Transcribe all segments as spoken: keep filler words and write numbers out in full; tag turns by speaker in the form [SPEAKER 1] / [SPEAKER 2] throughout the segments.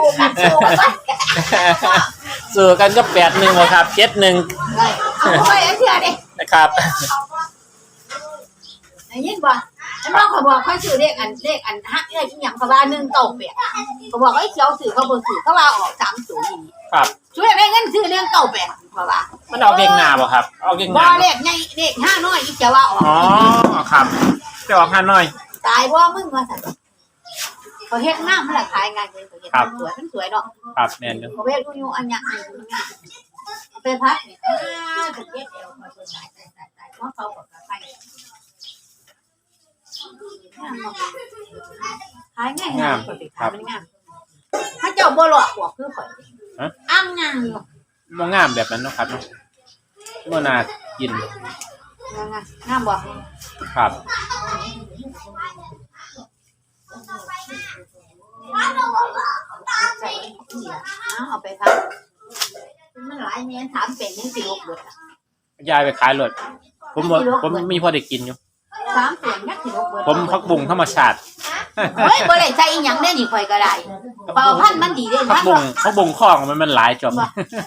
[SPEAKER 1] กันสู้กัน
[SPEAKER 2] สู้กันก็แปดหนึ่งบ่ครับเจ็ดหนึ่ง
[SPEAKER 1] เอาไว้เชื่อดิ
[SPEAKER 2] นะครับ
[SPEAKER 1] ได้ยินบ่ฉันบอกเขาบอกเขาซื้อเลขอันเลขอันฮักเลขอีหยังเขาว่าหนึ่งเก้าแปดเขาบอกไอ้เขียวซื้อเขาบ่ซื้อเขาว่าออกสามศูนย์นี่
[SPEAKER 2] ครับ
[SPEAKER 1] ช่วยได้เงินซื้อเรื่องเก้าแปดเขาว่า
[SPEAKER 2] มันเอาเก่งหน้าบ่ครับเอาเก่งห
[SPEAKER 1] บ่
[SPEAKER 2] น้า
[SPEAKER 1] เลขใหญ่เลขห้าน้อยอีเขียวว่าออก
[SPEAKER 2] อ๋อครับจะออกห้าน้อย
[SPEAKER 1] ตายบ่มึงว่าซั่นเขาเฮ็ดงามมันละขายงานเลยเขาเฮ็ดสวยมันสวยเนาะ
[SPEAKER 2] ครับแม่นอยู่
[SPEAKER 1] เขาเฮ็ดอยู่อันหยังไปพักนี่อ้าจะเก็บเอวมาตัวตายตายตายตายเพราะเขาก็ไปขายง่ายงามขายมันงามถ้าเจ้าบ่หลอกบอกคือข่อยอ้างงามอยู่
[SPEAKER 2] บ่งามแบบนั้นเนาะครับเนาะบ่น่ากิน
[SPEAKER 1] งามงามบ่
[SPEAKER 2] ครับ
[SPEAKER 1] ใส่เอาไปพักมันหลายแม่นถามเป็นยังสิลกเบิดอ่ะ
[SPEAKER 2] ยายไปขายรถผมบ่ผมมีพอได้กินอยู่
[SPEAKER 1] สามเป็นยังสิลกเบิด
[SPEAKER 2] ผมพักบุ้งธรรมชาติ
[SPEAKER 1] เฮ้ยบ่ได้ใส่อีหยังเด้นี่ข่อยก็ได้เป่าพันมันดีเด้
[SPEAKER 2] พัก
[SPEAKER 1] พัน
[SPEAKER 2] บุ้งพักบุ้งคล้องมันมันหลายจบ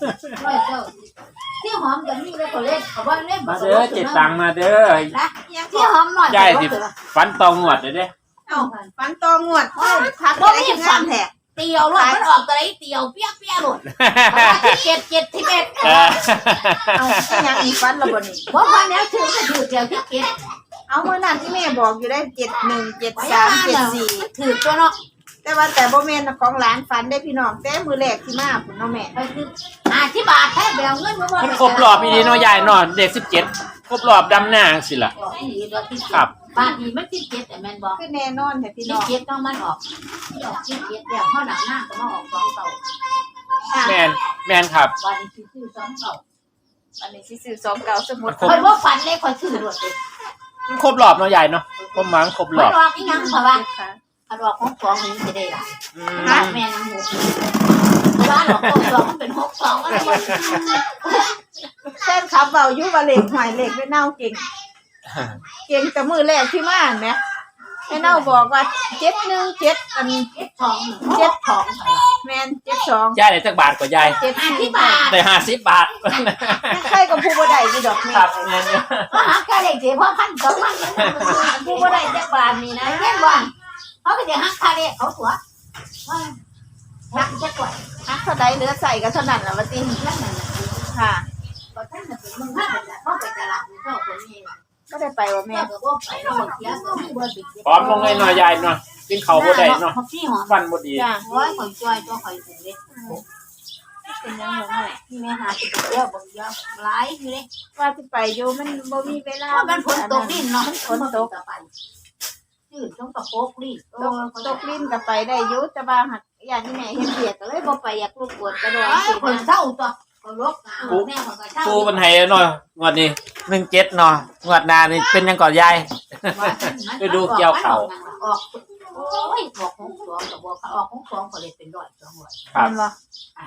[SPEAKER 1] ที่หอมกันนี่เลยเขาเล่นเขาว่าเล่น
[SPEAKER 2] มาเด้อเจ็ดตังค์มาเด้อ
[SPEAKER 1] นะที่หอมหน่อย
[SPEAKER 2] ยายสิฟันตองหวดเลยเด้
[SPEAKER 3] เอ้าฟันตองวดพัก
[SPEAKER 1] บ่
[SPEAKER 3] ได้
[SPEAKER 1] มี
[SPEAKER 3] ยัง
[SPEAKER 1] ฟั
[SPEAKER 3] งาน นแท้
[SPEAKER 1] เตียวรถมันออกตัวไหนเตียวเปี้ยเปี้ยหลุดที่เจ็ดเจ็ดที่เอ็ด
[SPEAKER 2] เออ
[SPEAKER 3] เอาอีหยังอีฟันละบ่นี่
[SPEAKER 1] บ่พันแล้วถือก็ถือเตียวที่เจ็ด
[SPEAKER 3] เอามื้อนั้นที่แม่บอกอยู่ได้เจ็ดหนึ่ง เจ็ดสาม เจ็ดสี่
[SPEAKER 1] ถือตัวเนาะ
[SPEAKER 3] แต่ว่าแต่บ่แม่นของหลานฝันได้พี่น้องแต่มื้อแรกที่มาพุ่นเนาะแม่
[SPEAKER 1] ไปคือห้าสิบบาทแท้แบวเงินบ่บ่
[SPEAKER 2] มันครบรอบอีนี้เนาะยายเนาะเด็กสิบเจ็ดครบรอบดำหน้าสิล่ะ ครับ
[SPEAKER 1] บาทนี้มันสิบเจ็ดแต่แม่นบ่
[SPEAKER 3] คือแน่นอนแท้พี่
[SPEAKER 1] สิ
[SPEAKER 3] น้
[SPEAKER 1] บ
[SPEAKER 3] อง
[SPEAKER 1] เจ็ดต้องมันออกออกสิบเจ็ดแล้วข้อหนังหน้าก็มาออกสองเต่า
[SPEAKER 2] แมนแมนครับ
[SPEAKER 1] วันนี้ซื้อสองเต่า
[SPEAKER 3] อันนี้สิซื้อสองเก้าสมุด
[SPEAKER 2] ครบ
[SPEAKER 1] คอยบ่ฝันเลยคอยซื้อรถเลย
[SPEAKER 2] มันครบรอบเนาะยายเนาะผมหวังครบร
[SPEAKER 1] มั
[SPEAKER 2] อน บ
[SPEAKER 1] ออกอีหยังเพราะว่า
[SPEAKER 3] ค่ะ
[SPEAKER 1] อันออกของสองนี้จะได้ล่ะ
[SPEAKER 2] อื
[SPEAKER 1] ฮะ
[SPEAKER 2] ม
[SPEAKER 1] แม่นางหมูบ้านออกของสองมันเป็นหกสองอะไรบ่
[SPEAKER 3] แฟนคลับเว้าอยู่ว่าเลขหวยเลขแม่เน่าเก่ง เก่งแต่มื้อแรกที่มาแหมแม่เน่าบอกว่าเจ็ดหนึ่ง เจ็ดอันนี้
[SPEAKER 1] เจ็ดสองเจ็ดสอง
[SPEAKER 3] แม่นเจ็ดสอง
[SPEAKER 2] ยายได้จักบาทกว่ายาย
[SPEAKER 3] เจ็ด
[SPEAKER 1] ห้า
[SPEAKER 3] สี่
[SPEAKER 1] สิบบาท
[SPEAKER 2] ได้ห้าสิบบาท
[SPEAKER 3] ใครก็ผู้บ่ได้อยู่ดอกแม่
[SPEAKER 2] ครับแมนอยู่
[SPEAKER 1] ก็หาค่าเด็กเสียเพราะพันสองพันผู้บ่ได้จักบาทนี่นะเห็นบ่เขาก็จะหักค่าเด็กเขาตัวว่าหักจักกว่า
[SPEAKER 3] ฮักเท่าใดเหลือใส่ก็เท่านั้นล่ะว่าติ
[SPEAKER 1] นั่นน่ะ
[SPEAKER 3] ค่ะ
[SPEAKER 1] ก็ท่านน่ะเป็นมึงท่านน่ะเขาไปตลาดนี่เขาคนนี้ล่ะ
[SPEAKER 3] ก็ได้ไปว่า
[SPEAKER 1] แม่
[SPEAKER 3] แม่
[SPEAKER 1] ก็บ่ไปแล้วบ่เสียก็มีบ่ติด
[SPEAKER 2] พร้อมลงเลยเนาะยายเนาะกินข้าวบ่ได้เนาะ
[SPEAKER 1] พี่หอม
[SPEAKER 2] ฟันบ่ดี
[SPEAKER 3] จ้า
[SPEAKER 1] โอ้ยข่อยจ้อยตัวข่อยถึงเด็ก
[SPEAKER 3] เป็นยังไงแม่
[SPEAKER 1] ที่แม่หาสิไปเที่ยวบ่เยอะหลายอยู่เด้
[SPEAKER 3] ว่าสิไปอยู่มันบ่มีเวลา
[SPEAKER 1] เพราะมันฝนตกดินเนาะ
[SPEAKER 3] ฝนตก
[SPEAKER 1] จืดต้องกระโปกดิ
[SPEAKER 3] ตกตกลิ้นก็ไปได้อยู่แต่ว่าหักอย่างที่แม่เฮ็ดเบียดก็เลยบ่ไปอยากรบกวนกระโดด
[SPEAKER 1] ไอ้
[SPEAKER 3] สิ
[SPEAKER 1] คนเศร้าตัวก็ลกแม่ของก็เศร้า
[SPEAKER 2] ปูมันให้เนาะงวดนี้หนึ่งเจ็ดเนาะงวดหน้านี่เป็นยังก่อนยาย ไปดูเกี่ยวเขา
[SPEAKER 1] ออกโอ้ยออกของสองกับบอกออกของสองก็เลยเป็นร้อยสองร้อย
[SPEAKER 2] ครับ
[SPEAKER 3] เห็นบ่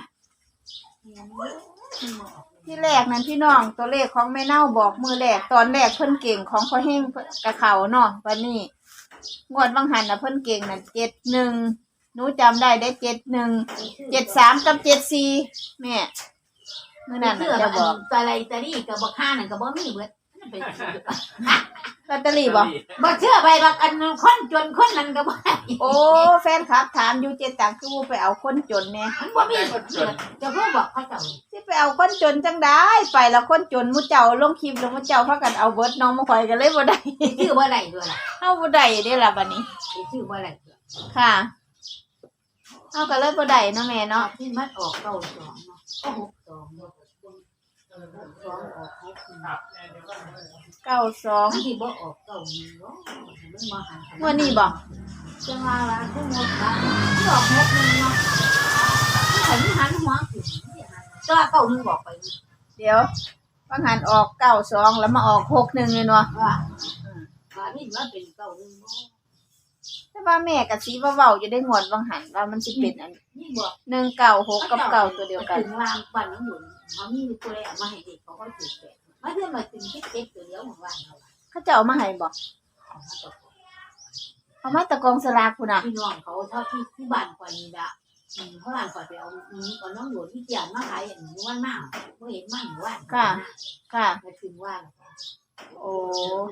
[SPEAKER 3] ที่แรกนั้นพี่น้องตัวเลขของแม่เน่าบอกมือแรกตอนแรกเพิ่นเก่งของพ่อเฮงกะเขาเนาะวันนี้งวดบางหันน่ะเพิ่นเก่งน่ะเจ็ดหนึ่งหนูจำได้ได้เจ็ดหนึ่งเจ็ดสามกับเจ็ดสี่แม่มื้อนั้น
[SPEAKER 1] เชื่อ
[SPEAKER 3] น่ะจะ
[SPEAKER 1] บบ อ
[SPEAKER 3] อก ก
[SPEAKER 1] ตะไลตะลี่กับบ่ค่านั่นก็บ่มีเบิด
[SPEAKER 3] ลอตเตอรี่บ่
[SPEAKER 1] บ่เชื่อไปบักอันคนจนคนนั้นก็บ่
[SPEAKER 3] โอ้แฟนคลับถามอยู่เจ็ดตังคือไปเอาคนจนแน่
[SPEAKER 1] มันบ่มีเบิดจะเพิ่งบอกเขาเจ้า
[SPEAKER 3] สิไปเอาคนจนจังได้ไปแล้วคนจนมุเจ้าลงคลิปแล้วมุเจ้าพากันเอาเบิดน้องมาข่อยกันเลยบ่ได้
[SPEAKER 1] ชื่อบ่ได้ด้วยล่ะ
[SPEAKER 3] เฮาบ่ได้เด้ล่ะบัดนี้
[SPEAKER 1] ชื่อบ่ได้
[SPEAKER 3] ค่ะเฮาก็เลยบ่ได้เนาะแม่เนาะ
[SPEAKER 1] ที่มันออกเก้าสองเนาะก็หกสองเนาะเออหกสองออกหกหนึ่ง
[SPEAKER 3] เก้าสอง
[SPEAKER 1] มันที่บ่ออกเก้าหนึ่งเนาะมันมาหัน
[SPEAKER 3] งวดนี้บ่
[SPEAKER 1] จังว่าว่าทั้งหมดว่าที่ออกหกหนึ่งเนาะที่หันหันหัวขึ้นก็เก้าหนึ่งบอกไป
[SPEAKER 3] เดี๋ยวบางหันออกเก้าสองแล้วมาออกหกหนึ่งเลยเนาะ
[SPEAKER 1] ว่าว่านี่มันเป็นเก้าหนึ่งเนาะ
[SPEAKER 3] แต่ว่าแม่ก็สิว่าเว้าอยู่ได้งวดบางหันว่ามันสิเป็นอัน
[SPEAKER 1] นี่บอก
[SPEAKER 3] หนึ่งเก้าหกกับเก้าตัวเดียวกัน
[SPEAKER 1] ถึงรางวันน้ำหนุนเขามีตัวแรกมาให้เด็กเขาก็ถือแปดมาเพื่อมาถึงที่เจ็ดตัวเดียวของวันเขา
[SPEAKER 3] เขาจะเอามาให้บ่เอามาตะกองสลากพุ่นน่ะ
[SPEAKER 1] พี่น้องเขาเท่าที่ที่บ้านกว่านี้ละเพราะว่าก่อนไปเอานี้ก่อนน้องหลวงที่เจียนมาขายอย่างนี้วันมากเมื่อเห็นมันว่า
[SPEAKER 3] ค่ะ
[SPEAKER 1] ไปถึงว่า
[SPEAKER 3] โอ้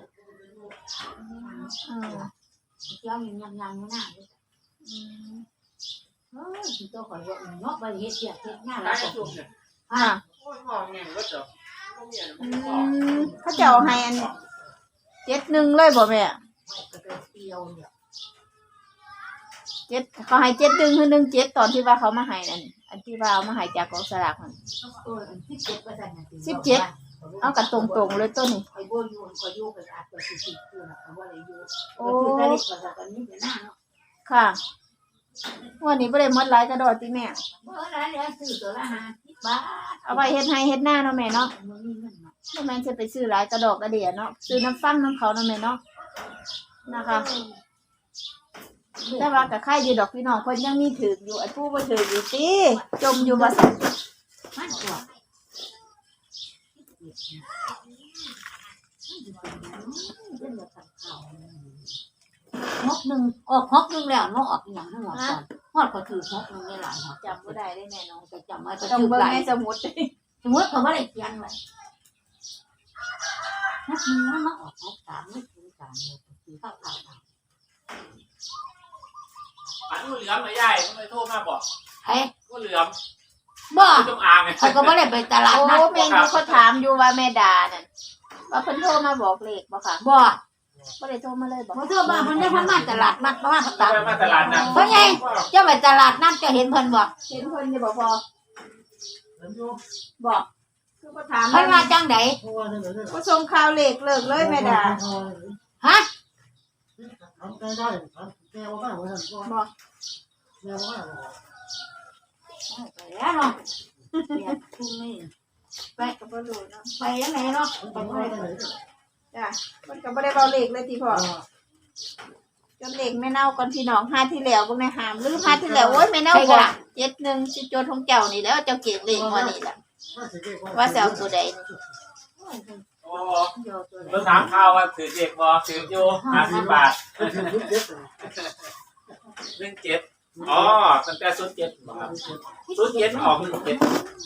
[SPEAKER 3] อืม
[SPEAKER 1] เจ้ายังยังยังไม่น่าเลยเออที่ตัวข่อยว่าเนาะไปเฮ็ดเสียเฮ็ดงานแล้วก็
[SPEAKER 3] ค่ะ
[SPEAKER 2] โอ้ยพ่อแม่ก็จะ
[SPEAKER 3] อืมเขาเจ้าให้อันเจ็ดหนึ่งเลยบ่แม่
[SPEAKER 1] ก็เป็นเตียวเนี่ย
[SPEAKER 3] เจ็ดเขาให้เจ็ดหนึ่งคือหนึ่งเจ็ดตอนที่ว่าเขามาให้นั่นอันที่ว่าเอามาให้จากกองสลากนั่น
[SPEAKER 1] เออสิบเจ็ดเปอร์เซ็นต์นะ
[SPEAKER 3] สิบเจ็ด เอากันตรงๆเลยต้นนี่
[SPEAKER 1] ไอ้บัวยูนก็ยูกันอาจจะสิบสิบคือนะว่าอะไรยูก็คือได้เล็กกว่าตอนนี้เป็นหน้าเนาะ
[SPEAKER 3] ค่ะวันนี้บ่ได้หมดหลายกระดอติแม่
[SPEAKER 1] เมื่อไรเนี่ยซื้อตัวละห้าสิบบาท
[SPEAKER 3] เอาไปเฮ็ดให้เฮ็ดหน้าเนาะแม่เนาะ
[SPEAKER 1] มันมีเงินมา
[SPEAKER 3] บ่แม่นสิไปซื้อหลายกระดอกกระเดียเนาะซื้อน้ำฟังน้ำเขาเนาะแม่เนาะนะคะแต่ว่าก็ค่ายอยู่ดอกพี่น้องเพิ่นยังมีถืออยู่ไอ้ผู้บ่ถืออยู่ติจมอยู่บ่ซั่น
[SPEAKER 1] มันกว่าฮกหนึ่งออกฮกหนึ่งแล้วน้องออกอย่างทั้งหมดก่อนฮอดก็ถือฮกหนึ่งได้หลายฮก
[SPEAKER 3] จำบ่ได้ได้แม่น้อง
[SPEAKER 1] ไปจำไว้ก็
[SPEAKER 3] ต้อง
[SPEAKER 1] ถือ
[SPEAKER 3] เบิ่ง
[SPEAKER 1] หลาย
[SPEAKER 3] ในสมุด
[SPEAKER 1] สมมติเขาไม่ได้เขียนไว้ฮกหนึ่งมันมาออกฮกสามไม่ถึงสามเลยถือข้าวขาว
[SPEAKER 2] อันนู้นเหลือมไม่ใหญ่ทำไมโทรมาบอก
[SPEAKER 1] เฮ้ย
[SPEAKER 2] ก็เหลือม
[SPEAKER 1] บ่
[SPEAKER 2] คือจงอางไง
[SPEAKER 1] เขาก็ไม่ได้ไปตลาด
[SPEAKER 3] โอ้
[SPEAKER 1] นัด
[SPEAKER 3] แม่นอยู่เขาถามอยู่ว่าแม่ดานั่นว่าเพิ่นโทรมาบอกเลขบ่ค่ะ
[SPEAKER 1] บ่
[SPEAKER 3] บ่ได้โทรมาเลยบ่
[SPEAKER 1] เขาเชื่อว่ามันได้พม่าตลาดนัดพม่า
[SPEAKER 2] ไป
[SPEAKER 1] ตลาด
[SPEAKER 2] มาตลาดนะ
[SPEAKER 1] เพราะไงเจ้าไปตลาดนัดจะเห็นเพิ่นบ่
[SPEAKER 3] เห็นเพิ่นอยู่บ่พอบอกคือบ่ถาม
[SPEAKER 1] เพิ่นมาจังได
[SPEAKER 3] บ่ส่งข่าวเลขเลิกเลยแม่ดา
[SPEAKER 1] ฮะ
[SPEAKER 4] ทำใจได้ทำแกว่าได้เหมือนกันก็
[SPEAKER 3] บอก
[SPEAKER 4] แกว่าได้
[SPEAKER 1] ไปแล้วเนาะเนี่ยคุณนี่
[SPEAKER 3] ไปก็บ่รู้เนาะ
[SPEAKER 1] ไปยังไงเนาะ
[SPEAKER 4] ทำได้ไหน
[SPEAKER 3] จ้ะเพิ่นก็บ่ได้เว้าเลขเลยติพ่อจนเลขแม่เน่าก่อนพี่น้องหาที่แล้วเบิ่งในหามหรือหาที่แล้วโอ้ยแม่เน่าบอกเจ็ดหนึ่งสิโจทย์ของเจ้านี่แล้วเจ้าเก็บเลขมานี่ล่ะว่าสิเอาตัวใดนี่
[SPEAKER 2] โอ้เมื่อถามข่าวว่าถือเด็กบอถืออยู่ห้าสิบบาทหนึ่งเจ็ดอ๋อตั้งแต่ศูนย์เจ็ดศูนย์เจ็ดออกหนึ่งเจ็ด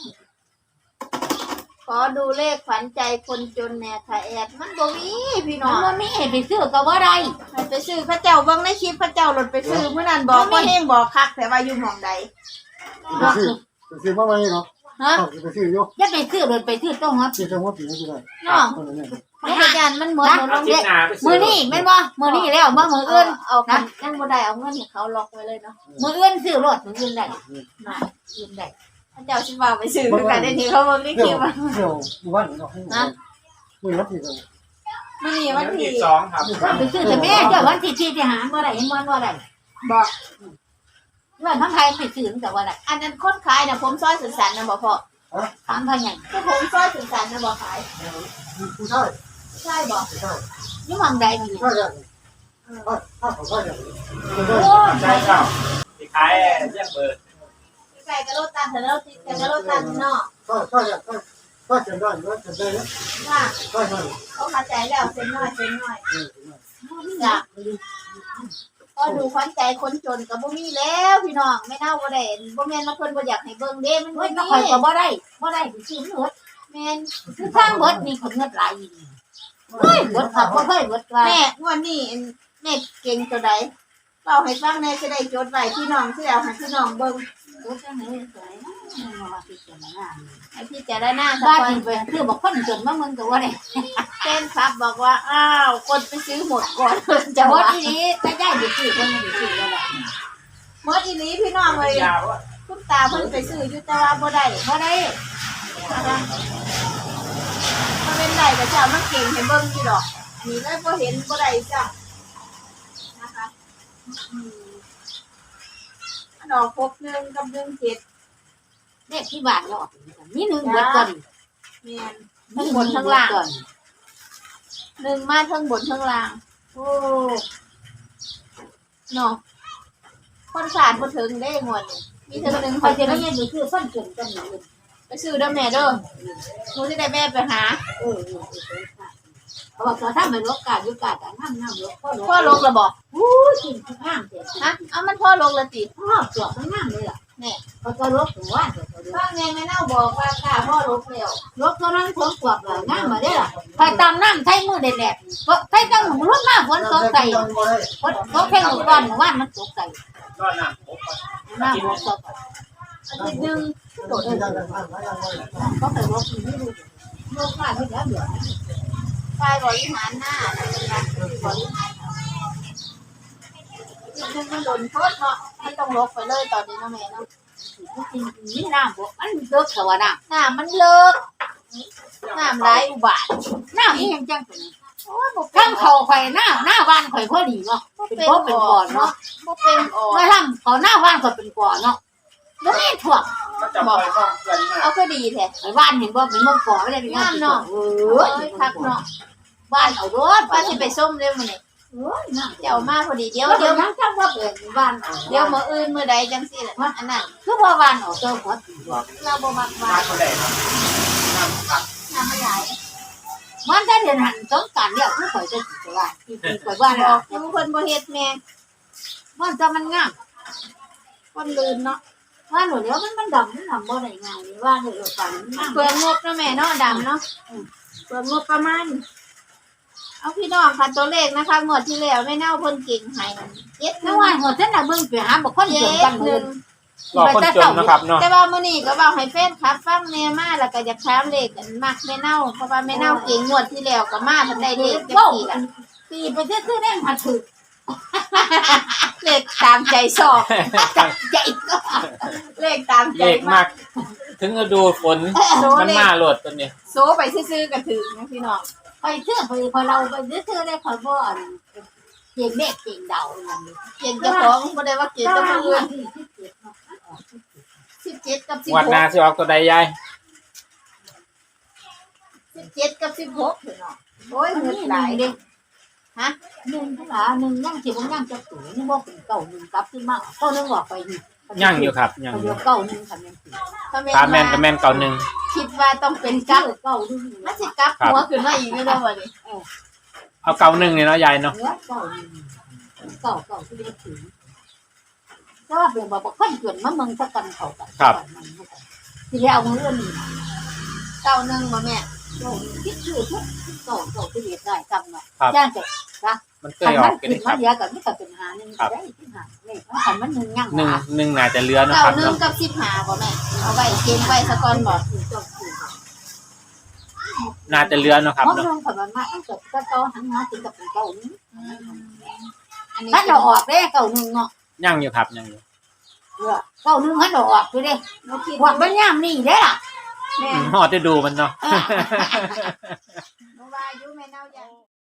[SPEAKER 3] ขอดูเลขฝันใจคนจนแหน่ค่ะแอดมันบ่มีพี่น้
[SPEAKER 1] มั
[SPEAKER 3] อน ง
[SPEAKER 1] บ่มีให้ไปซื้อก็บ่ได้
[SPEAKER 3] ให้ไปซื้อพระเจ้าเบิ่งในคลิปพระเจ้าหลดไปซื้อเมื่อนั้นบอกว่าเฮงบอกคักแต่ว่าอยู่หม่องใด
[SPEAKER 4] ไปซื้อไปซื้อมาไหมเนาะ
[SPEAKER 3] ฮะ
[SPEAKER 4] ไปซื้ออยู่
[SPEAKER 1] อย่าไปซื้อรถไปซื้อต้องฮอด
[SPEAKER 4] ซื้อจังหวัดปีนี้ก็ได้
[SPEAKER 3] เนาะ
[SPEAKER 4] คนละเนี่ย
[SPEAKER 3] พระอาจารย์มันเหมือนหนูล
[SPEAKER 2] เอา
[SPEAKER 3] ง
[SPEAKER 2] ทิ
[SPEAKER 3] เด็
[SPEAKER 2] ศ
[SPEAKER 3] ก
[SPEAKER 2] นาไปซื้
[SPEAKER 1] มื้อนี้แม่นบ่มื้อนี้แล้วบ่มื้ออื่น
[SPEAKER 3] เอากันยังบ่ได้เอาเงินให้เขาล็อกไว้เลยเนาะ
[SPEAKER 1] มื้ออื่นซื้อรถมื้ออื่นได้มาอื่นได้
[SPEAKER 3] พระเจ้าสิว่าไปซื้อคือกันได้ทีเขาบ่มีค
[SPEAKER 4] เดี๋
[SPEAKER 3] ลิ
[SPEAKER 4] ยว
[SPEAKER 3] ปว่า
[SPEAKER 4] เดี๋ยววันเนาะมือรับผิดเลย
[SPEAKER 3] มื้อนี้
[SPEAKER 2] วั
[SPEAKER 3] วัน น
[SPEAKER 2] ที่
[SPEAKER 3] ที่
[SPEAKER 2] สองครับ
[SPEAKER 1] ก็ไปซื้อแต่แม่เจ้าวันที่ที่ที่หาบ่ได้เห็นบ่บ่ได้
[SPEAKER 3] บอก
[SPEAKER 1] ว่าทั้งไทยไปซื้อแต่ว่าได้
[SPEAKER 3] อันนั้นคนขายน่ะผมซอยสุสันนะบ่พ่อ
[SPEAKER 1] ถามเพิ่นหยัง
[SPEAKER 3] คือผมซอยสุสันนะบ่ขาย
[SPEAKER 4] ผู้ชาย
[SPEAKER 3] ใช่บ่
[SPEAKER 4] ผู้ชาย
[SPEAKER 1] อยู่หม่องใดนี่
[SPEAKER 4] ผู้ชายอย่างถ้าถ้าเขาใช่อย่าง
[SPEAKER 1] โอ้
[SPEAKER 2] ใช่ครับที่ขายเรียกเบอร์
[SPEAKER 3] ไก่กระโดดตันแต่เราติดกระโดดตันเนาะ
[SPEAKER 4] ถ้าถ้าอย่างถ้าถ้าเกิดได้หรือว่าเกิดได้เนี่ย
[SPEAKER 3] ว่า
[SPEAKER 4] ได้ได้
[SPEAKER 3] เขาเข้าใจแล้วเส้นน้อยเส้นน้อย
[SPEAKER 4] เออ
[SPEAKER 3] จ้ะก็ดูขวัญใจคนจนก็บ่มีแล้วพี่น้องไม่น่าบ่ได้บ่แม่นว่าเพิ่นบ่อยากให้เบิ่งเด้มัน
[SPEAKER 1] เฮ้
[SPEAKER 3] บ่
[SPEAKER 1] ย
[SPEAKER 3] มี
[SPEAKER 1] ข่อยก็บ่ได้บ่ได้ไปซื้อเบิด
[SPEAKER 3] แม่น
[SPEAKER 1] คือทางเบิดนี่คนเงินหลายอีหลีเฮ้ยเบิดครับบ่เคยเบิดว่า
[SPEAKER 3] แม่งวดนี้แม่เก่งตัวใดเล่าให้ฟังแน่จะได้จดไว้พี่น้องสิเอาให้พี่น้องเบิ่ง
[SPEAKER 1] เบิดจังได๋สวยนะมาพิจารณา
[SPEAKER 3] ให้พี่จะได้หน้าสัก
[SPEAKER 1] บ้าน
[SPEAKER 3] คน
[SPEAKER 1] นี่ไปคือบอกคนจนมาเมืองก็บ่ได้
[SPEAKER 3] เต้นครับบอกว่าอ้าวคนไปซื้อหมดก่อน
[SPEAKER 1] จะ
[SPEAKER 3] จะ
[SPEAKER 1] บ่
[SPEAKER 3] ว่า
[SPEAKER 1] อีหลีแต่ได้ไปซื้อเพิ่นไปซื้อแล้วล่ะ
[SPEAKER 3] หมดอีหลีพี่น้องเลย
[SPEAKER 2] ยาวว่า
[SPEAKER 3] คุณตาเพิ่นไปซื้ออยู่แต่ว่าบ่ได้
[SPEAKER 1] บ่ได้
[SPEAKER 3] นะคะถ้าเป็นได้ก็จะเอามาเก่งให้เบิ่งอยู่ดอกนี่เลยบ่เห็นบ่ได้จ้ะนะคะอืมอันดอกพบหนึ่งกับหนึ่งเจ็ด
[SPEAKER 1] เลขที่บ้านก็ออกมีหนึ่งเบิดก่อน
[SPEAKER 3] แม่นทั้งบนทั้งล่างหนึ่งมาทั้งบนทั้งล่าง
[SPEAKER 1] โอ้
[SPEAKER 3] เนาะคนขาดบ่ถึงได้งวดนี่มีถึงหนึ่ง
[SPEAKER 1] ค
[SPEAKER 3] ค
[SPEAKER 1] อย
[SPEAKER 3] น
[SPEAKER 1] จะ
[SPEAKER 3] จะ
[SPEAKER 1] ได้
[SPEAKER 3] ได้
[SPEAKER 1] เงินอยู่คือคนจนกันนี่
[SPEAKER 3] ไปซื้อเด้อแม่เด้อหนูสิได้แม่ไปหา
[SPEAKER 1] เออเขาบอกว่าถ้ามันลกกาอยู่กาแต่น้ำน้ำลกพ่อลก
[SPEAKER 3] พ่อลงแล้วบ่
[SPEAKER 1] อู้กินข้างเสีย
[SPEAKER 3] ฮะเอามันพ่อลงแล้วติ
[SPEAKER 1] พ่อจวบมันน้ำเลยล่ะ
[SPEAKER 3] แน่
[SPEAKER 1] เขาก็ลบถึงว่าเดี๋ยวเขา
[SPEAKER 3] ฟังแม่แม่เน่าบอกว่าค่ะพ่อลบแล้ว
[SPEAKER 1] ลบเท่านั้นฝนตกเลยน้ำมาได้ล่ะใครตามน้ำใช้มือเด็ดแดดใช้ตั้งรถมาฝนตกใส่ฝนตกแค่หนึ่งก้อนว่านมันตกใส่
[SPEAKER 2] ก็น้ำผม
[SPEAKER 1] น้ำฝนตก
[SPEAKER 3] อาทิตย์หนึง
[SPEAKER 1] โดดเลยเขาไปลบที่นี่ดูลบมาที่แล้วเดี๋ยว
[SPEAKER 3] ฝ่ายบริหารหน้าเป็นการบริหารนึงมันโดนโทษเนาะไม่ต้องลบไปเลยตอนนี้เนาะแม่เนาะ
[SPEAKER 1] จริงๆนี่น้ำบอกมันเลิกแต่ว่าน้
[SPEAKER 3] น้ำมันเลิกน้ำไหลายอุบาท
[SPEAKER 1] ำน้ำนี่ยังจังเป็น
[SPEAKER 3] โอ้ยบ่เป็
[SPEAKER 1] ข้าน งเขาไข่หน้าหน้าบ้านไข่พอดีเนาะเป็นเพราะเป็นก่อนเนาะ
[SPEAKER 3] บ่เป็นออก
[SPEAKER 1] เมื่อทำเขาหน้าบ้านก็เป็นก่อนเนาะแล้วนี่ถ่วง
[SPEAKER 2] ก็จะปล่อยต้องเกินมาก
[SPEAKER 3] เอาก็ดีแท้
[SPEAKER 1] ไอ้บ้านเห็นว่าเป็นเมื่อก่อนไม่ได้เป็นงานเนาะเอ
[SPEAKER 3] โอ้
[SPEAKER 1] อย
[SPEAKER 3] คักเนาะ
[SPEAKER 1] บ้านเอารถ
[SPEAKER 3] ว่าสิไปส้มเด้อมื้อนี้
[SPEAKER 1] เอ้ยน้ำ
[SPEAKER 3] เจ้ามาพอดีเดี๋ยว
[SPEAKER 1] เดี๋
[SPEAKER 3] เดี๋
[SPEAKER 1] ย
[SPEAKER 3] ยว ว
[SPEAKER 1] ยังจังว่าเป็นบ้าน
[SPEAKER 3] เดี๋ยวมื้ออื่นมื้อใดจังซี่ล่ะอันนั้น
[SPEAKER 1] คือว่าบ้านเอาเจ้าหัว
[SPEAKER 3] เราบ่มักว่า
[SPEAKER 2] มาเท่าไหร่ครับน้ำผัก
[SPEAKER 3] น้ำมันไหลาย
[SPEAKER 1] มันได้เดินหันสงการเนี่ยคือข่อยจะสิไปบ้านที่ไปบ้าน
[SPEAKER 3] บ
[SPEAKER 1] เรา
[SPEAKER 3] อกอยู่เพิ่นบ่เฮ็ดแม่
[SPEAKER 1] บ้านจะมันงาม
[SPEAKER 3] คนลืนเนาะ
[SPEAKER 1] บ้านหนูเดี๋ยวมันมันดำมันดำบ่ได้งามนี่บ้านเออฝันมัน
[SPEAKER 3] เปลืองงบเนาะแม่เนาะดำเนาะเปลืองงบประมาณเอาพี่น้องค่ะตัวเลขนะคะงวดที่แล้วแม่เน่าเพิ่นเก่งให้เจ็ดห
[SPEAKER 1] แล้
[SPEAKER 3] นึ่
[SPEAKER 1] ว
[SPEAKER 3] ง
[SPEAKER 1] ว่าหัวเส้นน่ะเบิ่งไปหาบ่คนเดินกัน
[SPEAKER 3] ห
[SPEAKER 1] เล
[SPEAKER 3] นึ่
[SPEAKER 1] ย
[SPEAKER 3] ง
[SPEAKER 2] รอคนจนนะครับเนาะ
[SPEAKER 3] แต่ว่ามื้อนี้ก็เว้าให้แฟนคลับฟังแน่มาแล้วก็อยากถามเลขอันมักแม่เน่าเพราะว่าแม่เน่าเก่งงวดที่แล้วก็มาเพิ่นได้เลขจัก
[SPEAKER 1] เว้า
[SPEAKER 3] สี่
[SPEAKER 1] อั
[SPEAKER 3] ละ
[SPEAKER 1] นปีไปซื้อๆได้มาถึก
[SPEAKER 3] เลขตามใจชอบ
[SPEAKER 1] ใหญ่ก็
[SPEAKER 3] เลขตามใจ
[SPEAKER 2] เลข
[SPEAKER 3] มาม
[SPEAKER 2] าก ก ถึงฤดูฝน
[SPEAKER 3] โซ
[SPEAKER 2] มัน
[SPEAKER 3] เลข
[SPEAKER 2] มาโหลดตัวนี้
[SPEAKER 3] โซไปซื่อๆก็ถึงนะพี่น้อง
[SPEAKER 1] ไปเชื่อไปพอเราไปซื้อๆได้คอยบ่อันเก่งเด็กเก่งเดานั่นนี่
[SPEAKER 3] เก่งเจ้าของบ่ได้ว่าเก่ง
[SPEAKER 1] ก็
[SPEAKER 3] กับ
[SPEAKER 1] มา
[SPEAKER 3] ผู้
[SPEAKER 1] เรื่
[SPEAKER 3] อื่
[SPEAKER 1] อง
[SPEAKER 3] น
[SPEAKER 1] ที่สิบเจ็ดเนาะ
[SPEAKER 3] สิบเจ็ดกับสิบ
[SPEAKER 2] งวด
[SPEAKER 3] ห
[SPEAKER 2] หน้าก สิออกตัวใดยาย
[SPEAKER 3] สิบเจ็ดกับสิบหกพี่น้องโอ้ยเงินหลายเด้ ฮะ
[SPEAKER 1] หนึ่งเท่าไหร่หนึ่งย่างสิบย่างจะสูงนี่บ่เป็นเก่าหนึ่งกลับขึ้นมาเก้าหนึ่งออกไปนี่
[SPEAKER 2] ย่างอยู่ครับย่างอ
[SPEAKER 1] เดี
[SPEAKER 2] ยู่
[SPEAKER 1] ยวเก้าหนึ่งทำยังสิ
[SPEAKER 3] ถ้าแม่
[SPEAKER 2] ตาแม่นกับ
[SPEAKER 3] ว่า
[SPEAKER 2] แม่นเก่าหนึ่ง
[SPEAKER 3] คิดว่าต้องเป็น
[SPEAKER 1] เก้า
[SPEAKER 3] กับ
[SPEAKER 1] เก้าหนึ่ง
[SPEAKER 3] มันสิกลับหัวขึ้นมาอีกแล้วบ่นี่
[SPEAKER 2] เอาเก่าหนึ่งเนี่ยเนาะยายเนาะ
[SPEAKER 1] เนื้อเก้าหนึ่งเก้าเก้าที่เรียกถึงแต่ว่าเปลี่ยนบอกว่าขั้นเกินมาเมืองสักกันเขากันที่เรียกเอาเงินนี่
[SPEAKER 3] เก้าหนึ่งบ่แม่
[SPEAKER 1] เก้าคิดชื่อทุกเก้าเก้าที่เรียกได้จำเนาะย่างจะ
[SPEAKER 2] มันเค
[SPEAKER 1] ขั
[SPEAKER 2] ย
[SPEAKER 1] น
[SPEAKER 2] ออ
[SPEAKER 1] มั
[SPEAKER 2] ก
[SPEAKER 1] น
[SPEAKER 2] กัน
[SPEAKER 1] ขึ้น
[SPEAKER 2] นี่ค
[SPEAKER 1] มา
[SPEAKER 2] รับ
[SPEAKER 1] เดียวกับนี่ก็เป็นหาหนึ่งได้ที่หาเนี่ยขันมันหนึ่งย่าง
[SPEAKER 2] หนึ่งหนึ่งน่าจะเหลือเนาะ
[SPEAKER 3] เก้า
[SPEAKER 2] ครับ
[SPEAKER 3] หนึ่ง
[SPEAKER 2] เนาะ
[SPEAKER 3] กับสิบห้าบ่แม่เอาไว้เก็บไว้ซะก่อนบ่
[SPEAKER 2] น่าจะเหลือเนาะครับ
[SPEAKER 1] เพราะ
[SPEAKER 2] เนาะ
[SPEAKER 1] เรื่องขันมันมาตั้งแต่ก็เก้าหันมาถึงกับเป็นเก้านี้
[SPEAKER 3] อันนี้
[SPEAKER 1] ถ้าเราออกได้เก้าหนึ่งเนาะ
[SPEAKER 2] ย่างอยู่ครับย่างอยู่
[SPEAKER 1] เก้าหนึ่งให้เราออกไปเลย
[SPEAKER 3] บ่คิด
[SPEAKER 1] หวังมันย่ามนี่ได้ล่ะ
[SPEAKER 3] แม่
[SPEAKER 2] อืมฮอดจะดูมันเนาะ
[SPEAKER 3] บ่ว่าอยู่แม่เนาอย่าง